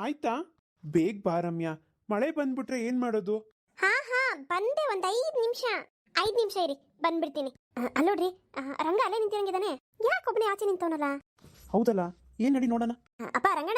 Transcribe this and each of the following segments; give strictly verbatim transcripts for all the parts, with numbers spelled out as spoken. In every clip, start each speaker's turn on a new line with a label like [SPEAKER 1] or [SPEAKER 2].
[SPEAKER 1] ಆಯ್ತಾ? ಬೇಗ ಬಾ ರಮ್ಯಾ, ಮಳೆ ಬಂದ್ಬಿಟ್ರೆ ಏನ್ ಮಾಡೋದು?
[SPEAKER 2] ಹಾ ಹಾ ಬಂದೆ, ಒಂದ್ ಐದ್ ನಿಮಿಷ ಐದ್ ನಿಮಿಷ ಇರಿ, ಬಂದ್ಬಿಡ್ತೀನಿ. ಅಲ್ಲೋಡ್ರಿ, ರಂಗ ಅಲ್ಲೇ ನಿಂತಿರಂಗಿದಾನೆ, ಯಾಕೊಬ್ಬನೇ ಆಚೆ ನಿಂತವನಲ್ಲ?
[SPEAKER 1] ಹೌದಲ್ಲ, ಏನ್ ನಡಿ ನೋಡೋಣ.
[SPEAKER 2] ಅಪ್ಪ ರಂಗಣ.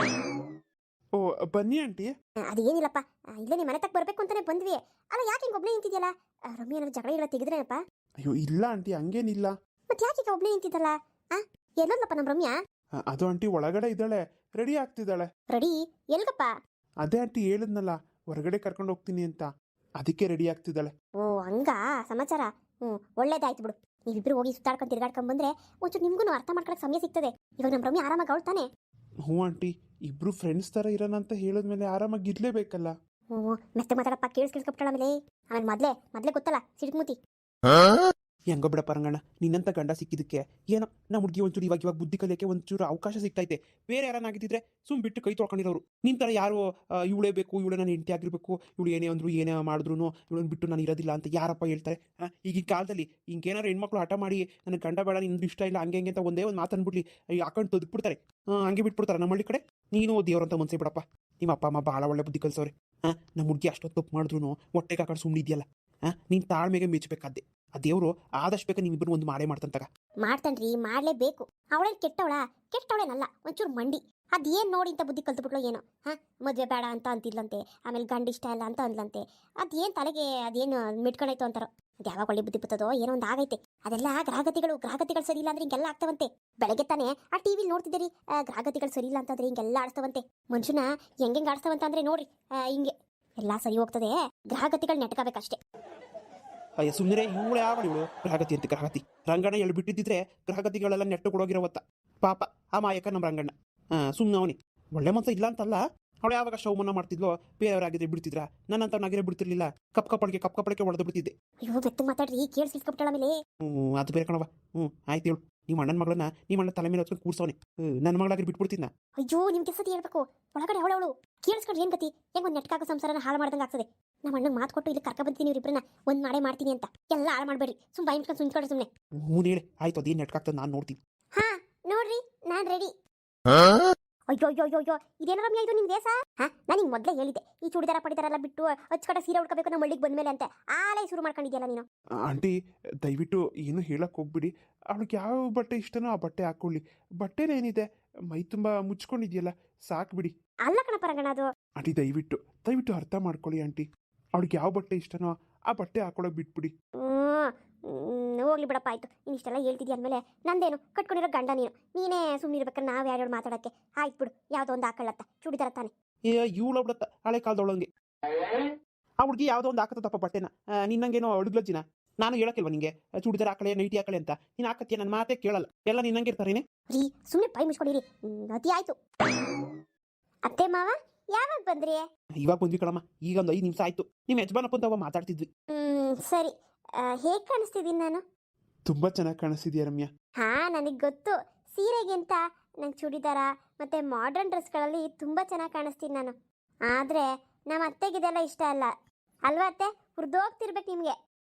[SPEAKER 1] ಓ ಬನ್ನಿ ಆಂಟಿ.
[SPEAKER 2] ಅದೇನಿಲ್ಲಪ್ಪ, ಇಲ್ಲೇ ನಿಮ್ಮ ಮನೆ ತಕ್ಕ ಬರ್ಬೇಕು ಅಂತಾನೆ ಬಂದ್ವಿ. ಅಲ್ಲ ಯಾಕೆ ಹಿಂಗ್ ಒಬ್ನೇ ನಿಂತಿದ್ಯಲ್ಲ? ರಮ್ಯ ಏನಾದ್ರು ಜಗಳ ಇಲ್ಲ ತೆಗೆದ್ರೇನಪ್ಪ?
[SPEAKER 1] ಅಯ್ಯೋ ಇಲ್ಲ ಆಂಟಿ, ಹಂಗೇನಿಲ್ಲ.
[SPEAKER 2] ಮತ್ತೆ ಯಾಕೆ ಈಗ ಒಬ್ನೇ ನಿಂತಿದ್ದಲ್ಲ? ಆ ಎಲ್ಲೋದ್ಲಪ್ಪ ನಮ್ ರಮ್ಯಾ?
[SPEAKER 1] ಅದು ಆಂಟಿ ಒಳಗಡೆ ಇದ್ದಾಳೆ, ರೆಡಿ ಆಗ್ತಿದ್ದಾಳೆ.
[SPEAKER 2] ರೆಡಿ ಎಲ್ಗಪ್ಪ?
[SPEAKER 1] ಅದೇ ಆಂಟಿ ಹೇಳಿದ್ನಲ್ಲ, ಹೊರಗಡೆ ಕರ್ಕೊಂಡು ಹೋಗ್ತೀನಿ ಅಂತ, ಅದಕ್ಕೆ ರೆಡಿ ಆಗ್ತಿದ್ದಾಳೆ.
[SPEAKER 2] ಓ ಹಂಗ ಸಮಾಚಾರ. ಹ್ಮ್ ಒಳ್ಳೇದಾಯ್ತು ಬಿಡು. ನೀವಿಬ್ರು ಹೋಗಿ ಸುತ್ತಾಡ್ಕೊಂಡು ತಿರ್ಗಾಡ್ಕೊಂಡ್ ಬಂದ್ರೆ ಒಂಚೂರು ನಿಮ್ಗೂ ಅರ್ಥ ಮಾಡ್ಕೊಳಕ್ ಸಮಯ ಸಿಗ್ತದೆ. ಇವಾಗ ನಮ್ ರಮ್ಯ ಆರಾಮಾಗಿ ಅವಳ್ತಾನೆ.
[SPEAKER 1] ಹ್ಞೂ ಆಂಟಿ, ಇಬ್ರು ಫ್ರೆಂಡ್ಸ್ ತರ ಇರೋಣ ಅಂತ ಹೇಳಿದ್ಮೇಲೆ ಆರಾಮಾಗಿ ಇರ್ಲೇಬೇಕಲ್ಲ.
[SPEAKER 2] ಹ್ಞೂ ಮೆತ್ತೆ ಮಾತಾಡಪ್ಪ, ಕೇಳಿಸ್ ಕೇಳಿಸ್ಕೊಬಿಟ್ಟಾಳ. ಆಮೇಲೆ ಆಮೇಲೆ ಮೊದ್ಲೇ ಮೊದ್ಲೇ ಗೊತ್ತಲ್ಲ ಸಿಡ್ಮೂತಿ.
[SPEAKER 1] ಹೆಂಗೋ ಬಿಡಪ್ಪ ರಂಗಣ್ಣ, ನಿನ್ನಂತ ಗಂಡ ಸಿಕ್ಕಿದ್ದಕ್ಕೆ ಏನೋ ನಮ್ಮ ಹುಡುಗಿ ಒಂಚೂರು ಇವಾಗ ಇವಾಗ ಬುದ್ಧಿ ಕಲಿಯೋಕ್ಕೆ ಒಂಚೂರು ಅವಕಾಶ ಸಿಗ್ತೈತೆ. ಬೇರೆ ಯಾರನ್ನಾಗಿದ್ದಿದ್ರೆ ಸುಮ್ ಬಿಟ್ಟು ಕೈ ತೊಳ್ಕೊಂಡಿರೋರು. ನಿನ್ ಥರ ಯಾರು ಇವಳೇ ಬೇಕು, ಇವಳೇ ನಾನು ಹೆಂಡತಿ ಆಗಿರ್ಬೇಕು, ಇವಳು ಏನೇ ಅಂದ್ರು ಏನೇ ಮಾಡಿದ್ರು ಇವಳನ್ನ ಬಿಟ್ಟು ನಾನು ಇರೋದಿಲ್ಲ ಅಂತ ಯಾರಪ್ಪ ಹೇಳ್ತಾರೆ? ಈಗಿನ ಕಾಲದಲ್ಲಿ ಹಿಂಗೇನಾದ್ರು ಹೆಣ್ಮಕ್ಳು ಹಠ ಮಾಡಿ ನನಗೆ ಗಂಡ ಬೇಡ, ನಿಂದು ಇಷ್ಟ ಇಲ್ಲ, ಹಂಗೆ ಹಂಗೆ ಅಂತ ಒಂದೇ ಒಂದು ಮಾತು ಅಂದ್ಬಿಡ್ಲಿ ಹಾಕೊಂಡು ತೆಗೆದ್ಬಿಡ್ತಾರೆ. ಹಂಗೆ ಬಿಟ್ಬಿಡ್ತಾರೆ ನಮ್ಮ ಹಳ್ಳಿ ಕಡೆ. ನೀನು ದೇವ್ರಂತ ಮನ್ಸೇ ಬಿಡಪ್ಪ, ನಿಮ್ಮ ಅಪ್ಪ ಅಮ್ಮ ಭಾಳ ಒಳ್ಳೆ ಬುದ್ಧಿ ಕಲಿಸೋರೆ. ಹಾಂ, ನಮ್ಮ ಹುಡುಗಿ ಅಷ್ಟೊತ್ತು ತಪ್ಪು ಮಾಡಿದ್ರು ಹೊಟ್ಟೆಗೆ ಹಾಕೊಂಡು ಸುಮ್ಮನಿದೆಯಲ್ಲ. ಹಾಂ, ನೀನು ತಾಳ್ಮೆಗೆ ಮೆಚ್ಚಬೇಕಾದ್ದೆ. ಆ ದೇವರು ಆದಷ್ಟು ಬೇಗ ನೀವಿಬ್ಬರು ಒಂದು ಮಾಡೇ ಮಾಡ್ತಂತಾಗ.
[SPEAKER 2] ಮಾಡ್ತಾನ್ರಿ, ಮಾಡ್ಲೇಬೇಕು. ಅವಳೇನ್ ಕೆಟ್ಟವಳ? ಕೆಟ್ಟವಳೇನಲ್ಲ, ಒಂಚೂರು ಮಂಡಿ. ಅದೇನ್ ನೋಡಿ ಅಂತ ಬುದ್ಧಿ ಕಲ್ತ್ಬಿಟ್ಲು ಏನೋ. ಹಾ, ಮದ್ವೆ ಬೇಡ ಅಂತ ಅಂತಿದ್ಲಂತೆ, ಆಮೇಲೆ ಗಂಡ ಇಷ್ಟ ಇಲ್ಲ ಅಂತ ಅಂದ್ಲಂತೆ. ಅದೇನ್ ತಲೆಗೆ ಅದೇನು ಮಿಟ್ಕೊಂಡಾಯ್ತು ಅಂತಾರೋ. ಅದು ಯಾವಾಗ ಒಳ್ಳೆ ಬುದ್ಧಿ ಬರ್ತದೋ ಏನೋ ಒಂದು ಆಗೈತೆ. ಅದೆಲ್ಲ ಗ್ರಹಗತಿಗಳು ಗ್ರಹಗತಿಗಳು ಸರಿ ಇಲ್ಲ ಅಂದ್ರೆ ಹಿಂಗೆಲ್ಲ ಆಗ್ತಾವಂತೆ. ಬೆಳಗ್ಗೆ ತಾನೆ ಆ ಟಿವಿಲಿ ನೋಡ್ತಿದ್ದೀರಿ, ಗ್ರಹಗತಿಗಳು ಸರಿ ಇಲ್ಲ ಅಂತಂದ್ರೆ ಹಿಂಗೆಲ್ಲ ಆಡ್ತಾವಂತೆ. ಮನುಷ್ಯನ ಹೆಂಗೆಂಗೆ ಆಡ್ತಾವಂತ ಅಂದ್ರೆ ನೋಡ್ರಿ, ಹಿಂಗೆ ಎಲ್ಲ ಸರಿ ಹೋಗ್ತದೆ. ಗ್ರಹಗತಿಗಳು ನೆಟ್ಕೋಬೇಕಷ್ಟೇ.
[SPEAKER 1] ಅಯ್ಯ ಸುಮ್ಮನೆ ಇವಳು ಯಾವ ಇವಳು ಗ್ರಹಗತಿ ಅಂತ? ಗ್ರಹಗತಿ ರಂಗಣ್ಣ ಎಲ್ಲಿ ಬಿಟ್ಟಿದ್ದಿದ್ರೆ ಗ್ರಹಗತಿಗಳೆಲ್ಲ ನೆಟ್ಟು ಕೊಡೋಗಿರೋವತ್ತ. ಪಾಪ ಆ ಮಾಯಕ ನಮ್ಮ ರಂಗಣ್ಣ. ಹಾಂ, ಸುಮ್ಮನೆ ಅವನಿ ಒಳ್ಳೆ ಮನಸ್ಸು ಇಲ್ಲ ಅಂತಲ್ಲ. ಅವಳು ಯಾವಾಗ ಶವಮನ್ನ ಮಾಡ್ತಿದ್ಲೋ ಬೇರೆಯವರಾಗಿದ್ರೆ ಬಿಡ್ತಿದ್ರ, ನನ್ನಂತವನಾಗಿರೇ ಬಿಡ್ತಿರ್ಲಿಲ್ಲ. ಕಪ್ ಕಪ್ಪಳಿಗೆ ಕಪ್ ಕಪ್ಪಳಿಗೆ ಹೊಡೆದು ಬಿಡ್ತಿದ್ದೆ.
[SPEAKER 2] ಅಯ್ಯೋ ಬೆತ್ತ ಮಾತಾಡ್ರಿ, ಕೇಳಿ ಸಿಕ್ಬಿಟ್ಟಾಳ ಮೇಲೆ.
[SPEAKER 1] ಹ್ಞೂ ಅದು ಬೇರೆ ಕಣವ. ಹ್ಞೂ ಆಯ್ತು ಹೇಳು, ನಿಮ್ಮ ಅಣ್ಣನ ಮಗಳನ್ನ ನಿಮ್ಮ ಅಣ್ಣ ತಲೆ ಮೇಲೆ ಹೊತ್ಕೊಂಡು ಕೂರ್ಸವನೆ. ನನ್ನ ಮಗಳಾಗಿ ಬಿಟ್ಬಿಡ್ತೀನ.
[SPEAKER 2] ಅಯ್ಯೋ ನಿಮ್ಗೆ ಸತಿ ಹೇಳ್ಬೇಕು, ಒಳಗಡೆ ಅವಳವಳು ಕೇಳಿಸ್ಕೊಂಡ್ರೆ ಏನ್ ಗತಿ? ಹೆಂಗ್ ಒಂದು ನೆಟ್ಕಾಗ ಸಂಸಾರನ ಹಾಳು ಮಾಡ್ದಂಗೆ ಆಗ್ತದೆ. ನಮ್ಮ ಅಣ್ಣಗೆ ಮಾತು ಕೊಟ್ಟು ಇಲ್ಲಿ ಕರ್ಕ ಬಂತೀನಿ, ಇವ್ರಿಬ್ರನ್ನ ಒಂದ್ ಮಾಡೇ ಮಾಡ್ತೀನಿ ಅಂತ. ಎಲ್ಲ ಹಾಳು ಮಾಡ್ಬೇಡ್ರಿ, ಸುಮ್ ಬಾಯಿ ಮುಚ್ಕೊಂಡು ಸುಮ್ಕೊಂಡ್ರೆ ಸುಮ್ಮನೆ.
[SPEAKER 1] ಹ್ಞೂ ಹೇಳಿ ಆಯ್ತು, ಅದೇನು ನೆಟ್ಕಾಗ್ತದೆ ನಾನು ನೋಡ್ತೀನಿ.
[SPEAKER 2] ಹಾ ನೋಡ್ರಿ, ನಾನ್ ರೆಡಿ. ಅಯ್ಯೋ ಅಯ್ಯೋ ಅಯ್ಯೋ ಅಯ್ಯೋ ಇದೇನೋ ರಮ್ಯಾ ಇದು ನಿಮ್ ದೇಶ? ಹಾ, ನಾನು ನಿಂಗೆ ಮೊದಲೇ ಹೇಳಿದ್ದೆ ಈ ಚೂಡಿದಾರ ಪಡಿದಾರೆಲ್ಲ ಬಿಟ್ಟು ಅಚ್ಚಕಡೆ ಸೀರೆ ಉಳ್ಕೋಬೇಕು ನಮ್ಮ ಹಳ್ಳಿಗೆ ಬಂದ್ಮೇಲೆ ಅಂತ. ಆಲೇ ಶುರು ಮಾಡ್ಕೊಂಡಿದ್ಯಲ್ಲ ನೀನು.
[SPEAKER 1] ಆಂಟಿ ದಯವಿಟ್ಟು ಏನು ಹೇಳಕ್ ಹೋಗ್ಬಿಡಿ. ಅವಳಿಗೆ ಯಾವ ಬಟ್ಟೆ ಇಷ್ಟನೋ ಆ ಬಟ್ಟೆ ಹಾಕೊಳ್ಳಿ. ಬಟ್ಟೆನೇನಿದೆ, ಮೈ ತುಂಬಾ ಮುಚ್ಕೊಂಡಿದ್ಯಲ್ಲ, ಸಾಕು ಬಿಡಿ.
[SPEAKER 2] ಅಲ್ಲ ಕಣಪ್ಪ ರಂಗಣ್ಣ, ಅದು
[SPEAKER 1] ಆಂಟಿ ದಯವಿಟ್ಟು ದಯವಿಟ್ಟು ಅರ್ಥ ಮಾಡ್ಕೊಳ್ಳಿ ಆಂಟಿ. ಅವಳಿಗೆ ಯಾವ ಬಟ್ಟೆ ಇಷ್ಟನೋ ಆ ಬಟ್ಟೆ ಹಾಕೊಳ್ಳೋಕೆ ಬಿಟ್ಬಿಡಿ.
[SPEAKER 2] ಹ್ಞೂ ಹೋಗ್ಲಿ ಬಿಡಪ್ಪ, ಆಯ್ತು. ನೀನು ಇಷ್ಟೆಲ್ಲ ಹೇಳ್ತಿದ್ಯ ಅಂದಮೇಲೆ ನಂದೇನು ಕಟ್ಕೊಂಡಿರೋ ಗಂಡ ನೀನು. ನೀನೇ ಸುಮ್ಮನಿರ್ಬೇಕಾದ್ರೆ ನಾವು ಯಾರ್ಯಾರು ಮಾತಾಡೋಕ್ಕೆ. ಆಯ್ತು ಬಿಡು, ಯಾವುದೋ ಒಂದು ಹಾಕೊಳ್ಳತ್ತ ಚೂಡಿದಾರ ತಾನೆ.
[SPEAKER 1] ಏ ಇವಳು ಬಿಡತ್ತ ಹಳೆ ಕಾಲದೊಳಂಗೆ. ಆ ಹುಡುಗಿ ಯಾವುದೋ ಒಂದು ಹಾಕತ್ತಪ್ಪ ಬಟ್ಟೆನ. ನಿನ್ನಂಗೇನೋ ಅಡುಗ್ಲಜ್ಜಿನ ನಾನು ಹೇಳಕ್ಕಿಲ್ವ ನಿಂಗೆ ಚೂಡಿದಾರ ಹಾಕಳೆ ನೈಟಿ ಹಾಕಳೆ ಅಂತ? ನೀನು ಹಾಕತ್ತೀಯ, ನನ್ನ ಮಾತೇ ಕೇಳಲ್ಲ. ಎಲ್ಲ ನಿನ್ನಂಗೆ ಇರ್ತಾರೇನೆ.
[SPEAKER 2] ರೀ ಸುಮ್ಮನೆ ಪೈ ಮುಚ್ಕೊಂಡಿರಿ, ಅತಿ ಆಯ್ತು. ಅತ್ತೆ ಮಾವ ಯಾವಾಗ ಬಂದ್ರಿ?
[SPEAKER 1] ಇವಾಗ ಬಂದ್ವಿ ಕಣಮ್ಮ, ಈಗ ಒಂದು ಐದು ನಿಮಿಷ ಆಯ್ತು. ನಿಮ್ಮ ಯಜಮಾನಪ್ಪ ಅಂತ ಮಾತಾಡ್ತಿದ್ವಿ.
[SPEAKER 2] ಹ್ಮ್ ಸರಿ. ಹೇಗೆ ಕಾಣಿಸ್ತಿದ್ದೀನಿ ನಾನು?
[SPEAKER 1] ತುಂಬಾ ಚೆನ್ನಾಗಿ ಕಾಣಿಸ್ತಿದ್ಯಾ ರಮ್ಯಾ.
[SPEAKER 2] ಹಾ ನನಗೆ ಗೊತ್ತು, ಸೀರೆಗಿಂತ ನಂಗೆ ಚೂಡಿದಾರ ಮತ್ತೆ ಮಾಡರ್ನ್ ಡ್ರೆಸ್ಗಳಲ್ಲಿ ತುಂಬಾ ಚೆನ್ನಾಗಿ ಕಾಣಿಸ್ತೀನಿ ನಾನು. ಆದ್ರೆ ನಮ್ಮ ಅತ್ತೆಗಿದೆಲ್ಲ ಇಷ್ಟ ಅಲ್ಲ ಅಲ್ವಾ ಅತ್ತೆ? ಹುರಿದೋಗ್ತಿರ್ಬೇಕು ನಿಮ್ಗೆ.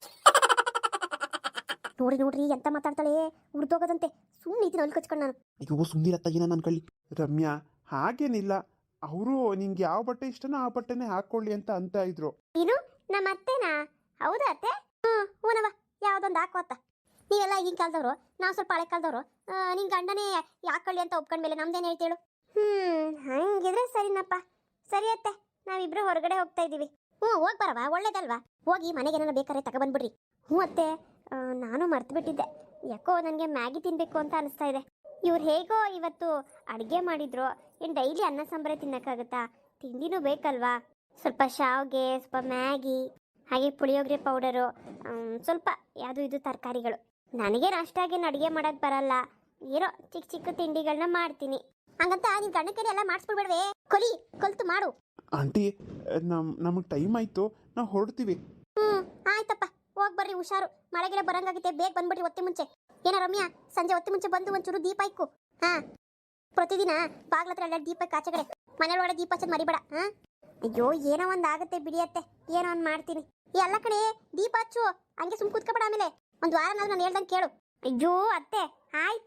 [SPEAKER 2] ನೋಡ್ರಿ ನೋಡ್ರಿ ಎಂತ ಮಾತಾಡ್ತಾಳೆ, ಹುರಿದೋಗೋದಂತೆ. ಸುಮ್ಮನೆ ಇದನ್ನ ಅಲ್ಲಿ ಕಚ್ಕೊಂಡು ನಾನು.
[SPEAKER 1] ಅಯ್ಯೋ ಸುಮ್ಮನಿರತ್ತ ಏನ ನನ್ನ ಕಳ್ಳಿ. ರಮ್ಯಾ ಹಾಗೇನಿಲ್ಲ, ಅವರು ನಿಂಗೆ ಯಾವ ಬಟ್ಟೆ ಇಷ್ಟನೋ ಆ ಬಟ್ಟೆನೇ ಹಾಕೊಳ್ಳಿ ಅಂತ ಅಂತ ಇದ್ರು.
[SPEAKER 2] ನೀನು ನಮ್ಮ ಅತ್ತೆನಾ? ಹೌದಾ ಅತ್ತೆ? ಹ್ಮ್ ಹೂನವ, ಯಾವ್ದೊಂದು ಹಾಕೋತ್ತ. ನೀವೆಲ್ಲ ಈಗಿನ ಕಾಲದವ್ರು, ನಾವು ಸ್ವಲ್ಪ ಹಳೆ ಕಾಲದವ್ರು. ನಿನ್ ಗಂಡನೇ ಯಾಕೊಳ್ಳಿ ಅಂತ ಒಪ್ಕೊಂಡ್ಮೇಲೆ ನಮ್ದೇನು ಹೇಳ್ತೇಳು? ಹ್ಮ್ ಹಂಗಿದ್ರೆ ಸರಿನಪ್ಪ. ಸರಿ ಅತ್ತೆ, ನಾವಿಬ್ರು ಹೊರಗಡೆ ಹೋಗ್ತಾ ಇದೀವಿ. ಹ್ಞೂ ಹೋಗಿ ಬರವ, ಒಳ್ಳೇದಲ್ವಾ? ಹೋಗಿ ಮನೆಗೆ ಏನಾರ ಬೇಕಾದ್ರೆ ತಗೊಬಂದ್ಬಿಡ್ರಿ. ಹ್ಞೂ ಅತ್ತೆ, ನಾನು ಮರ್ತು ಬಿಟ್ಟಿದ್ದೆ. ಯಾಕೋ ನನಗೆ ಮ್ಯಾಗಿ ತಿನ್ಬೇಕು ಅಂತ ಅನಿಸ್ತಾ ಇದೆ. ಇವ್ರು ಹೇಗೋ ಇವತ್ತು ಅಡುಗೆ ಮಾಡಿದ್ರು. ಏನು ಡೈಲಿ ಅನ್ನ ಸಾಂಬಾರೇ ತಿನ್ನೋಕ್ಕಾಗುತ್ತಾ? ತಿಂಡಿನೂ ಬೇಕಲ್ವಾ? ಸ್ವಲ್ಪ ಶಾವ್ಗೆ, ಸ್ವಲ್ಪ ಮ್ಯಾಗಿ, ಹಾಗೆ ಪುಳಿಯೋಗರೆ ಪೌಡರು, ಸ್ವಲ್ಪ ಯಾವುದು ಇದು ತರಕಾರಿಗಳು. ನನಗೆ ಅಷ್ಟಾಗೇನು ಅಡುಗೆ ಮಾಡೋಕ್ಕೆ ಬರಲ್ಲ. ಏನೋ ಚಿಕ್ಕ ಚಿಕ್ಕ ತಿಂಡಿಗಳನ್ನ ಮಾಡ್ತೀನಿ. ಹಂಗಂತ ನಿನ್ ಗಂಡ ಕೈಲಿ ಎಲ್ಲ ಮಾಡಿಸ್ಬಿಡ್ಬೇಡವೆ. ಕೊಲಿ ಕಲ್ತು ಮಾಡು.
[SPEAKER 1] ಆಂಟಿ ನಮ್ ನಮಗೆ ಟೈಮ್ ಆಯ್ತು, ನಾವು ಹೊರಡ್ತೀವಿ.
[SPEAKER 2] ಹ್ಮ್ ಆಯ್ತಪ್ಪ, ಹೋಗಿ ಬರ್ರಿ, ಹುಷಾರು. ಮಳೆಗೆಲ್ಲ ಬರಂಗಾಗಿದೆ, ಬೇಗ ಬಂದ್ಬಿಡ್ರಿ ಒತ್ತೆ ಮುಂಚೆ. ಏನ ರಮ್ಯಾ, ಸಂಜೆ ಒತ್ತೆ ಮುಂಚೆ ಬಂದು ಒಂಚೂರು ದೀಪ ಇಕ್ಕು. ಹಾ, ಪ್ರತಿದಿನ ಬಾಗ್ಲತ್ರ ಎಲ್ಲ ದೀಪ ಇಕ್ಕು, ಆಚೆಗಡೆ ಮನೆಯೊಳಗಡೆ ದೀಪ ಹಚ್ಚೋದು ಮರಿಬೇಡ. ಹಾ, ಅಯ್ಯೋ ಏನೋ ಒಂದು ಆಗುತ್ತೆ ಬಿಡಿಯತ್ತೆ, ಏನೋ ಒಂದು ಮಾಡ್ತೀನಿ. ಎಲ್ಲ ಕಡೆ ದೀಪ ಹಚ್ಚು, ಹಂಗೆ ಸುಮ್ ಕೂತ್ಕೊಬೇಡ. ಆಮೇಲೆ ಒಂದು ವಾರ ನಾನು ಹೇಳ್ದಂಗೆ ಕೇಳು. ಅಯ್ಯೋ ಅತ್ತೆ ಆಯ್ತು.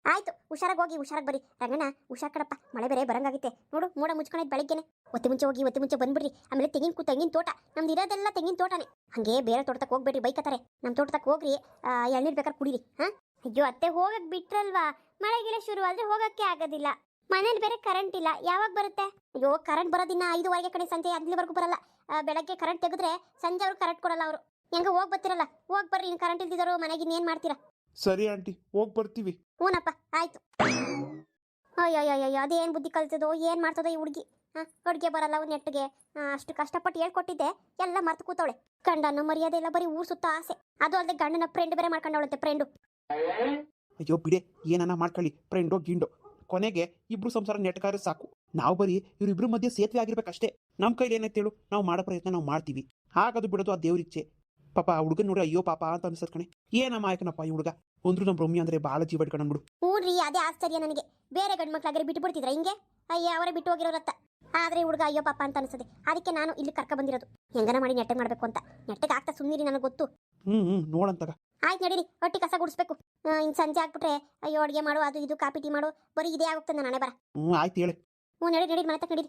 [SPEAKER 2] ಆಯ್ತು, ಹುಷಾರಾಗಿ ಹೋಗಿ ಹುಷಾರಾಗಿ ಬರ್ರಿ. ರಂಗಣ್ಣ ಹುಷಾರ್ ಕಡಪ್ಪ, ಮಳೆ ಬೇರೆ ಬರಂಗಾಗಿತ್ತೆ ನೋಡು. ಮೋಡ ಮುಚ್ಕೊಂಡಿದ್ದು ಬೆಳಿಗ್ಗೆನೆ. ಒತ್ತೆ ಮುಂಚೆ ಹೋಗಿ ಒತ್ತೆ ಮುಂಚೆ ಬಂದ್ಬಿಡ್ರಿ. ಆಮೇಲೆ ತೆಂಗಿನ ಕು ತೆಂಗಿನ ತೋಟ ನಮ್ದು ಇರೋದೆಲ್ಲ ತೆಂಗಿನ ತೋಟನೇ. ಹಂಗೆ ಬೇರೆ ತೋಟಕ್ಕೆ ಹೋಗ್ಬೇಡ್ರಿ, ಬೈಕತ್ತಾರೆ. ನಮ್ಮ ತೋಟಕ್ಕೆ ಹೋಗ್ರಿ, ಎಳ್ನೀರು ಬೇಕಾದ್ರೆ ಕುಡೀರಿ. ಹಾ ಅಯ್ಯೋ ಅತ್ತೆ, ಹೋಗಕ್ ಬಿಟ್ರಲ್ವಾ? ಮಳೆ ಗಿಳೆ ಶುರು ಆದ್ರೆ ಹೋಗಕ್ಕೆ ಆಗೋದಿಲ್ಲ. ಮನೇಲಿ ಬೇರೆ ಕರೆಂಟ್ ಇಲ್ಲ, ಯಾವಾಗ ಬರುತ್ತೆ? ಅಯ್ಯೋ ಕರೆಂಟ್ ಬರೋದಿನ್ನ ಐದುವರೆಗೆ ಕಡೆ, ಸಂಜೆ ಅಲ್ಲಿವರೆಗೂ ಬರಲ್ಲ. ಬೆಳಗ್ಗೆ ಕರೆಂಟ್ ತೆಗೆದ್ರೆ ಸಂಜೆ ಅವ್ರು ಕರೆಂಟ್ ಕೊಡಲ್ಲ ಅವರು. ಹೆಂಗ ಹೋಗಿ ಬರ್ತಿರಲ್ಲ, ಹೋಗಿ ಬರ್ರಿ. ಇನ್ನು ಕರೆಂಟ್ ಇಲ್ದಿದ್ರು ಮನೆಗೆ ಇನ್ನೇನು ಮಾಡ್ತೀರಾ?
[SPEAKER 1] ಸರಿ ಆಂಟಿ, ಹೋಗಿ ಬರ್ತೀವಿ.
[SPEAKER 2] ಹ್ಞೂನಪ್ಪ ಆಯ್ತು. ಅಯ್ಯೋ ಅಯ್ಯೋ ಅದೇನು ಬುದ್ಧಿ ಕಲ್ತದೋ, ಏನು ಮಾಡ್ತದೋ ಈ ಹುಡುಗಿ. ಹಾಂ ಅಡುಗೆ ಬರಲ್ಲ ಒಂದು ನೆಟ್ಟಿಗೆ. ಅಷ್ಟು ಕಷ್ಟಪಟ್ಟು ಹೇಳ್ಕೊಟ್ಟಿದ್ದೆ, ಎಲ್ಲ ಮರ್ತು ಕೂತವಳೆ. ಗಂಡನ ಮರ್ಯಾದೆ ಇಲ್ಲ, ಬರೀ ಊರು ಸುತ್ತ ಆಸೆ. ಅದು ಅಲ್ಲದೆ ಗಂಡನ ಫ್ರೆಂಡ್ ಬೇರೆ ಮಾಡ್ಕೊಂಡವಳಂತೆ, ಫ್ರೆಂಡು.
[SPEAKER 1] ಅಯ್ಯೋ ಬಿಡೆ, ಏನನ್ನ ಮಾಡ್ಕೊಳ್ಳಿ, ಫ್ರೆಂಡೋ ಗಿಂಡೋ, ಕೊನೆಗೆ ಇಬ್ರು ಸಂಸಾರ ನೆಟ್ಕಾರೆ ಸಾಕು. ನಾವು ಬರೀ ಇವರಿಬ್ರು ಮಧ್ಯೆ ಸೇತುವೆ ಆಗಿರ್ಬೇಕಷ್ಟೇ. ನಮ್ಮ ಕೈಲಿ ಏನೈತೆ ಹೇಳು, ನಾವು ಮಾಡೋ ಪ್ರಯತ್ನ ನಾವು ಮಾಡ್ತೀವಿ. ಹಾಗದು ಬಿಡೋದು ಆ ದೇವ್ರಿಚ್ಛೆ. ಪಾಪ ಆ ಹುಡುಗನ್ ನೋಡಿ ಅಯ್ಯೋ ಪಾಪ ಅಂತ ಅನ್ಸತ್ ಕಣೆ. ಏನಮ್ಮ ಆಯ್ಕನಪ್ಪ ಈ ಹುಡುಗ, ಒಂದ್ರು ನಮ್ಮ ರಮ್ಯ ಅಂದ್ರೆ ಬಾಳ ಜೀವ ಇಟ್ಕೊಂಡ್ಬಿಡು.
[SPEAKER 2] ಹ್ಞೂ ರೀ, ಅದೇ ಆಶ್ಚರ್ಯ ನನಗೆ. ಬೇರೆ ಗಂಡು ಮಕ್ಳಾಗರೆ ಬಿಟ್ಟು ಬಿಡ್ತಿದ್ರ ಹಿಂಗೆ? ಅಯ್ಯ ಅವರೇ ಬಿಟ್ಟು ಹೋಗಿರೋರತ್ತ. ಆದ್ರೆ ಹುಡುಗ ಅಯ್ಯೋ ಪಾಪ ಅಂತ ಅನ್ಸದೆ. ಅದಕ್ಕೆ ನಾನು ಇಲ್ಲಿ ಕರ್ಕ ಬಂದಿರೋದು, ಹೆಂಗನ ಮಾಡಿ ನೆಟ್ಟಗೆ ಮಾಡ್ಬೇಕು ಅಂತ. ನೆಟ್ಟಗೆ ಆಗ್ತಾ ಸುಮ್ಮನಿರಿ, ನನಗೆ ಗೊತ್ತು.
[SPEAKER 1] ಹ್ಮ್ ಹ್ಮ್ ನೋಡಂತಾಗ
[SPEAKER 2] ಆಯ್ತು ನಡೀರಿ, ಹೊಟ್ಟಿ ಕಸ ಗುಡಿಸ್ಬೇಕು. ಇನ್ನು ಸಂಜೆ ಆಗ್ಬಿಟ್ರೆ ಅಯ್ಯೋ ಅಡುಗೆ ಮಾಡು, ಅದು ಇದು ಕಾಪಿ ಟೀ ಮಾಡು, ಬರೀ ಇದೇ ಆಗುತ್ತದೆ ನಾನೇ ಬರ.
[SPEAKER 1] ಹ್ಮ್ ಆಯ್ತು ಹೇಳಿ.
[SPEAKER 2] ಹ್ಞೂ ನಡಿ ನಡೀರಿ, ಮನೆ ತಕ್ಕ ನಡೀರಿ.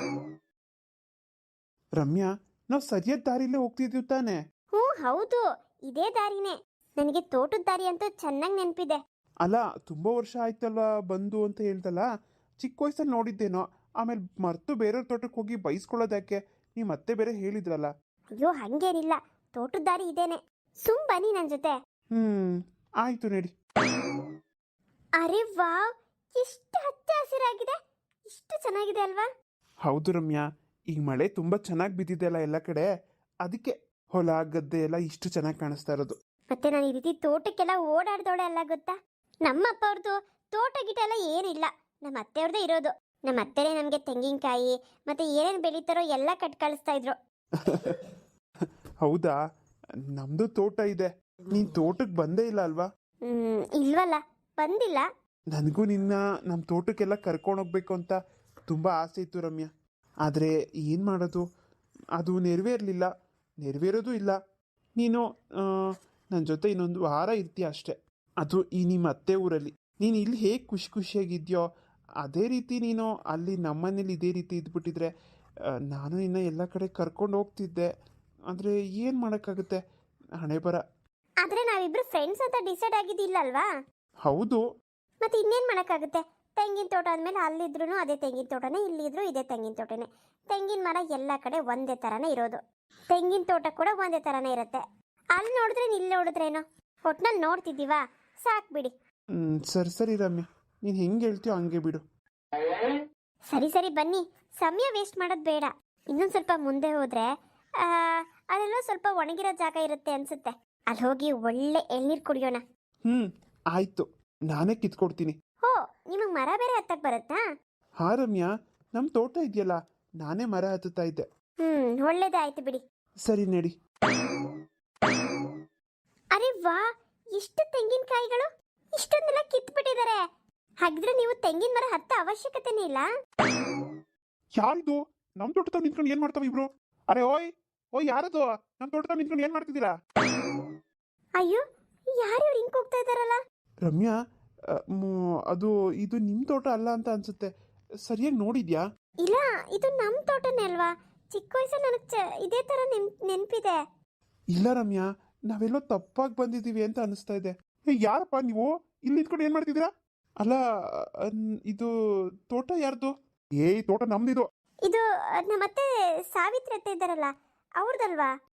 [SPEAKER 1] ರಮ್ಯಾ, ನಾವು ಸರಿಯಾದ ದಾರಿಲೇ ಹೋಗ್ತಿದ್ದೀವಿ ತಾನೆ?
[SPEAKER 2] ಹ್ಞೂ ಹೌದು, ಇದೇ ದಾರಿನೇ. ನನಗೆ ತೋಟದ ದಾರಿ ಅಂತೂ ಚೆನ್ನಾಗಿ ನೆನಪಿದೆ.
[SPEAKER 1] ಅಲ್ಲ, ತುಂಬಾ ವರ್ಷ ಆಯ್ತಲ್ವಾ ಬಂದು ಅಂತ ಹೇಳ್ದಲ್ಲ, ಚಿಕ್ಕ ವಯಸ್ಸಲ್ಲಿ ನೋಡಿದ್ದೇನೋ, ಆಮೇಲೆ ಮರ್ತು ಬೇರೆಯವ್ರ ತೋಟಕ್ಕೆ ಹೋಗಿ ಬೈಸ್ಕೊಳ್ಳೋದಕ್ಕೆ ನೀವು ಮತ್ತೆ ಬೇರೆ ಹೇಳಿದ್ರಲ್ಲ.
[SPEAKER 2] ಅಯ್ಯೋ ಹಂಗೇನಿಲ್ಲ, ತೋಟದ ದಾರಿ ಇದೇನೆ. ಸುಮ್ ಬನ್ನಿ ನನ್ನ ಜೊತೆ.
[SPEAKER 1] ಹ್ಮ್ ಆಯ್ತು ನಡಿ.
[SPEAKER 2] ಅರೆ ವಾವ್, ಎಷ್ಟು ಹಚ್ಚ ಹಸಿರಾಗಿದೆ, ಇಷ್ಟು ಚೆನ್ನಾಗಿದೆ ಅಲ್ವಾ?
[SPEAKER 1] ಹೌದು ರಮ್ಯಾ, ಈಗ ಮಳೆ ತುಂಬಾ ಚೆನ್ನಾಗಿ ಬಿದ್ದಿದೆ ಅಲ್ಲ ಎಲ್ಲ ಕಡೆ, ಅದಕ್ಕೆ ಹೊಲ ಗದ್ದೆ ಎಲ್ಲ ಇಷ್ಟು ಚೆನ್ನಾಗಿ ಕಾಣಿಸ್ತಾ ಇರೋದು.
[SPEAKER 2] ಮತ್ತೆ ನಾನು ಈ ರೀತಿ ತೋಟಕ್ಕೆಲ್ಲ ಓಡಾಡ್ದೋಳೆ ಅಲ್ಲ ಗೊತ್ತಾ? ನಮ್ಮ ಅಪ್ಪ ಅವ್ರದ್ದು ತೋಟ ಗಿಟ ಎಲ್ಲ ಏನಿಲ್ಲ, ನಮ್ಮ ಅತ್ತೆಯವ್ರದ್ದೇ ಇರೋದು. ನಮ್ಮ ಅತ್ತೆನೇ ನಮಗೆ ತೆಂಗಿನಕಾಯಿ ಮತ್ತೆ ಏನೇನು ಬೆಳೀತಾರೋ ಎಲ್ಲ ಕಟ್ ಕಳಿಸ್ತಾ ಇದ್ರು.
[SPEAKER 1] ಹೌದಾ, ನಮ್ದು ತೋಟ ಇದೆ. ನೀನ್ ತೋಟಕ್ಕೆ ಬಂದೇ ಇಲ್ಲ ಅಲ್ವಾ?
[SPEAKER 2] ಹ್ಮ್ ಇಲ್ವಲ್ಲ, ಬಂದಿಲ್ಲ.
[SPEAKER 1] ನನಗೂ ನಿನ್ನ ನಮ್ಮ ತೋಟಕ್ಕೆಲ್ಲ ಕರ್ಕೊಂಡೋಗ್ಬೇಕು ಅಂತ ತುಂಬ ಆಸೆ ಇತ್ತು ರಮ್ಯಾ. ಆದರೆ ಏನು ಮಾಡೋದು, ಅದು ನೆರವೇರಲಿಲ್ಲ, ನೆರವೇರೋದು ಇಲ್ಲ. ನೀನು ನನ್ನ ಜೊತೆ ಇನ್ನೊಂದು ವಾರ ಇರ್ತೀಯ ಅಷ್ಟೆ, ಅದು ಈ ನಿಮ್ಮ ಅತ್ತೆ ಊರಲ್ಲಿ. ನೀನು ಇಲ್ಲಿ ಹೇಗೆ ಖುಷಿ ಖುಷಿಯಾಗಿದ್ಯೋ ಅದೇ ರೀತಿ ನೀನು ಅಲ್ಲಿ ನಮ್ಮನೇಲಿ ಇದೇ ರೀತಿ ಇದ್ಬಿಟ್ಟಿದ್ರೆ ನಾನು ನಿನ್ನ ಎಲ್ಲ ಕಡೆ ಕರ್ಕೊಂಡು ಹೋಗ್ತಿದ್ದೆ. ಆದರೆ ಏನು ಮಾಡೋಕ್ಕಾಗುತ್ತೆ, ಹಣೆ ಬರ.
[SPEAKER 2] ಆದ್ರೆ ನಾವಿಬ್ರು ಫ್ರೆಂಡ್ಸ್ ಅಂತ ಡಿಸೈಡ್ ಆಗಿದ್ದಿಲ್ಲ ಅಲ್ವಾ?
[SPEAKER 1] ಹೌದು,
[SPEAKER 2] ಮತ್ತೆ ಇನ್ನೇನು ಮಾಡೋಕ್ಕಾಗುತ್ತೆ? ತೆಂಗಿನ ತೋಟ ಅಂದಮೇಲೆ ಅಲ್ಲಿದ್ರು ಅದೇ ತೆಂಗಿನ ತೋಟನೇ, ಇಲ್ಲಿದ್ರು ಇದೇ ತೆಂಗಿನ ತೋಟನೇ. ತೆಂಗಿನ ಮರ ಎಲ್ಲ ಕಡೆ ಒಂದೇ ಥರನೇ ಇರೋದು, ತೆಂಗಿನ ತೋಟ ಕೂಡ ಒಂದೇ ಥರನೇ ಇರುತ್ತೆ. ಅಲ್ಲಿ ನೋಡಿದ್ರೆ ಇಲ್ಲಿ ನೋಡಿದ್ರೇನೋ, ಒಟ್ನಲ್ಲಿ ನೋಡ್ತಿದ್ದೀವಾ, ಸಾಕು ಬಿಡಿ.
[SPEAKER 1] ಹ್ಞೂ ಸರಿ ಸರಿ ರಮ್ಯಾ, ನೀನು ಹೆಂಗೆ ಹೇಳ್ತೀಯೋ ಹಂಗೆ ಬಿಡು.
[SPEAKER 2] ಸರಿ ಸರಿ ಬನ್ನಿ, ಸಮಯ ವೇಸ್ಟ್ ಮಾಡೋದು ಬೇಡ. ಇನ್ನೊಂದು ಸ್ವಲ್ಪ ಮುಂದೆ ಹೋದರೆ ಅಲ್ಲೆಲ್ಲೋ ಸ್ವಲ್ಪ ಒಣಗಿರೋ ಜಾಗ ಇರುತ್ತೆ ಅನ್ಸುತ್ತೆ, ಅಲ್ಲಿ ಹೋಗಿ ಒಳ್ಳೆ ಎಳ್ನೀರು ಕುಡಿಯೋಣ.
[SPEAKER 1] ಹ್ಞೂ ಆಯಿತು, ನಾನೇ ಕಿತ್ಕೊಡ್ತೀನಿ.
[SPEAKER 2] ಓ, ನಿಮಗೆ ಮರ ಬೇರೆ ಹತ್ತಕ್ಕೆ ಬರುತ್ತಾ?
[SPEAKER 1] ಹಾ ರಮ್ಯಾ, ನಮ್ಮ ತೋಟ ಇದೆಯಲ್ಲ, ನಾನೇ ಮರ ಹತ್ತುತ್ತಾ ಇದ್ದೆ.
[SPEAKER 2] ಹ್ಮ್ ಒಳ್ಳೇದಾಯ್ತು ಬಿಡಿ.
[SPEAKER 1] ಸರಿ ನಡಿ.
[SPEAKER 2] ಅರೆ ವಾ, ಎಷ್ಟು ತೆಂಗಿನಕಾಯಿಗಳು, ಇಷ್ಟೊಂದೆಲ್ಲ ಕಿತ್ಬಿಟ್ಟಿದ್ದಾರೆ. ಹಾಗಿದ್ರೆ ನೀವು ತೆಂಗಿನ ಮರ ಹತ್ತ ಅವಶ್ಯಕತೆನೇ ಇಲ್ಲ.
[SPEAKER 1] ಯಾರಿದು ನಮ್ಮ ತೋಟದಾಗ ನಿಂತ್ಕೊಂಡು ಏನ್ ಮಾಡ್ತಾವ ಇಬ್ರು? ಅರೆ ಓಯ್ ಓಯ್, ಯಾರದು ನಮ್ಮ ತೋಟದಾಗ ನಿಂತ್ಕೊಂಡು ಏನ್ ಮಾಡ್ತಿದ್ದೀರಾ?
[SPEAKER 2] ಅಯ್ಯೋ, ಯಾರು ಇವ್ರು ಹಿಂಗ್ ಹೋಗ್ತಾ ಇದಾರಲ್ಲ?
[SPEAKER 1] ರಮ್ಯಾ, ಅ, ಮ್, ಅದು ಇದು ನಿಮ್ಮ ತೋಟ ಅಲ್ಲ ಅಂತ ಅನ್ಸುತ್ತೆ, ಸರಿಯಾಗಿ ನೋಡಿದ್ಯಾ?
[SPEAKER 2] ಇಲ್ಲ, ಇದು ನಮ್ಮ ತೋಟನೇ ಅಲ್ವಾ? ಚಿಕ್ಕ ವಯಸ್ಸಲ್ಲಿ ನನಗೆ ಇದೇ ತರ ನೆನ್ ನೆನಪಿದೆ.
[SPEAKER 1] ಇಲ್ಲ ರಮ್ಯಾ, ನಾವೆಲ್ಲೋ ತಪ್ಪಾಗಿ ಬಂದಿದ್ದೀವಿ ಅಂತ ಅನಿಸ್ತಾ ಇದೆ. ಏ ಯಾರಪ್ಪ ನೀವು ಇಲ್ಲಿ ನಿಂತ್ಕೊಂಡು ಏನ್ ಮಾಡ್ತಿದ್ದೀರಾ? ಅಲ್ಲ, ಅನ್- ಇದು ತೋಟ ಯಾರ್ದು? ಏ ಈ ತೋಟ ನಮ್ದಿದು.
[SPEAKER 2] ಇದು ನಮ್ಮತ್ತೆ ಸಾವಿತ್ರಿ ಅತ್ತೆ ಇದ್ದಾರಲ್ಲ, ಅವ್ರದಲ್ವಾ?